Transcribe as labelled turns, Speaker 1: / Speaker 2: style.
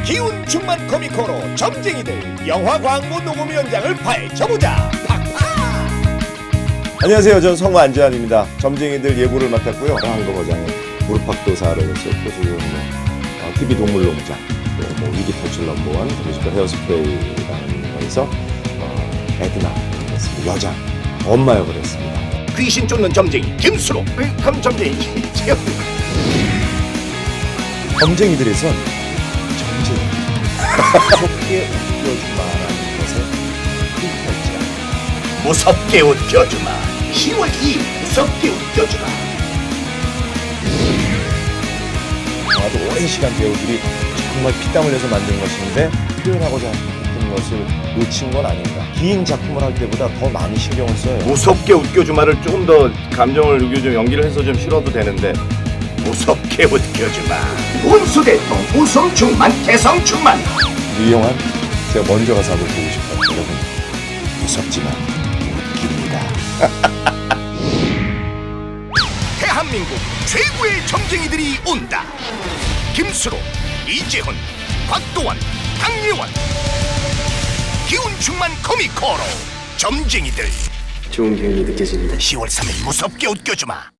Speaker 1: 기운 충만 코미코로 점쟁이들 영화 광고 녹음 현장을 파헤쳐보자. 팍팍. 안녕하세요. 저는 성우 안재환입니다. 점쟁이들 예고를 맡았고요. 한국어장에 무릎팍도사를 했었고 지금 TV 동물농장, 또 위기 탈출 넘버원, 뮤지컬 헤어스프레이라는 거에서 에드나 여자 엄마 역을 했습니다. 귀신 쫓는 점쟁이 김수로 그럼 점쟁이 제요. 점쟁이들에선 점쟁이 무섭게 웃겨주마라는 것에 흠결지야. 무섭게 웃겨주마 10월 2일 무섭게 웃겨주마. 아주 오랜 시간 배우들이 정말 피땀 흘려서 만든 것인데 표현하고자 했던 것을 놓친 건 아닌가. 긴 작품을 할 때보다 더 많이 신경을 써요.
Speaker 2: 무섭게 웃겨주마를 조금 더 감정을 녹여서 연기를 해서 좀 실어도 되는데 무섭게 웃겨주마. 운수대통 웃음 충만 개성 충만.
Speaker 1: 이 영화는 제가 먼저 가서 한번 보고 싶어요. 여러분 무섭지만 웃깁니다. 대한민국 최고의 점쟁이들이 온다. 김수로, 이재훈, 곽도원, 강예원. 기운 충만 코미코로 점쟁이들.
Speaker 3: 좋은 기운이 느껴집니다.
Speaker 1: 10월 3일 무섭게 웃겨주마.